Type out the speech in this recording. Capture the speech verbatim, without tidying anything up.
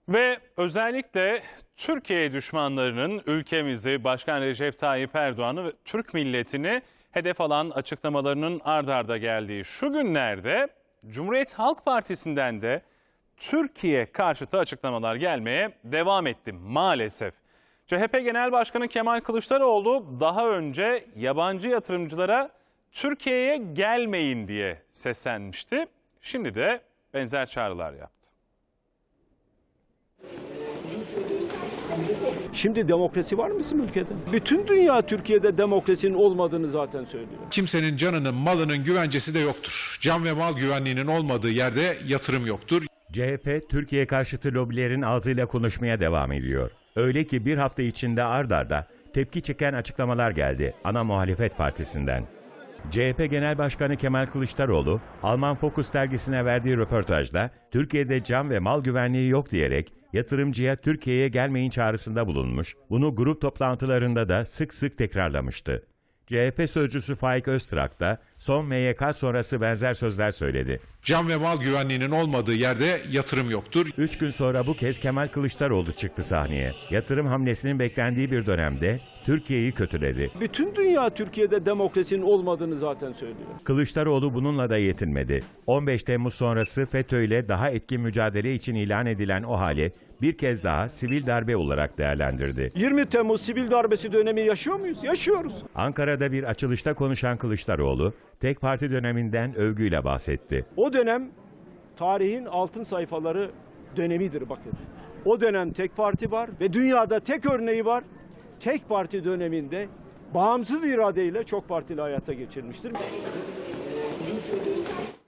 Ve özellikle Türkiye düşmanlarının ülkemizi, Başkan Recep Tayyip Erdoğan'ı ve Türk milletini hedef alan açıklamalarının ard arda geldiği şu günlerde Cumhuriyet Halk Partisi'nden de Türkiye karşıtı açıklamalar gelmeye devam etti maalesef. C H P Genel Başkanı Kemal Kılıçdaroğlu daha önce yabancı yatırımcılara Türkiye'ye gelmeyin diye seslenmişti. Şimdi de benzer çağrılar yaptı. Şimdi demokrasi var mı bizim ülkede? Bütün dünya Türkiye'de demokrasinin olmadığını zaten söylüyor. Kimsenin canının, malının güvencesi de yoktur. Can ve mal güvenliğinin olmadığı yerde yatırım yoktur. C H P, Türkiye karşıtı lobilerin ağzıyla konuşmaya devam ediyor. Öyle ki bir hafta içinde ard arda tepki çeken açıklamalar geldi ana muhalefet partisinden. C H P Genel Başkanı Kemal Kılıçdaroğlu, Alman Focus dergisine verdiği röportajda Türkiye'de can ve mal güvenliği yok diyerek yatırımcıya Türkiye'ye gelmeyin çağrısında bulunmuş, bunu grup toplantılarında da sık sık tekrarlamıştı. C H P sözcüsü Faik Öztrak da son M Y K sonrası benzer sözler söyledi. Can ve mal güvenliğinin olmadığı yerde yatırım yoktur. Üç gün sonra bu kez Kemal Kılıçdaroğlu çıktı sahneye. Yatırım hamlesinin beklendiği bir dönemde Türkiye'yi kötüledi. Bütün dünya Türkiye'de demokrasinin olmadığını zaten söylüyor. Kılıçdaroğlu bununla da yetinmedi. on beş Temmuz sonrası FETÖ ile daha etkin mücadele için ilan edilen o hali bir kez daha sivil darbe olarak değerlendirdi. yirmi Temmuz sivil darbesi dönemi yaşıyor muyuz? Yaşıyoruz. Ankara'da bir açılışta konuşan Kılıçdaroğlu, tek parti döneminden övgüyle bahsetti. O dönem tarihin altın sayfaları dönemidir bakın. O dönem tek parti var ve dünyada tek örneği var. Tek parti döneminde bağımsız iradeyle çok partili hayata geçirmiştir.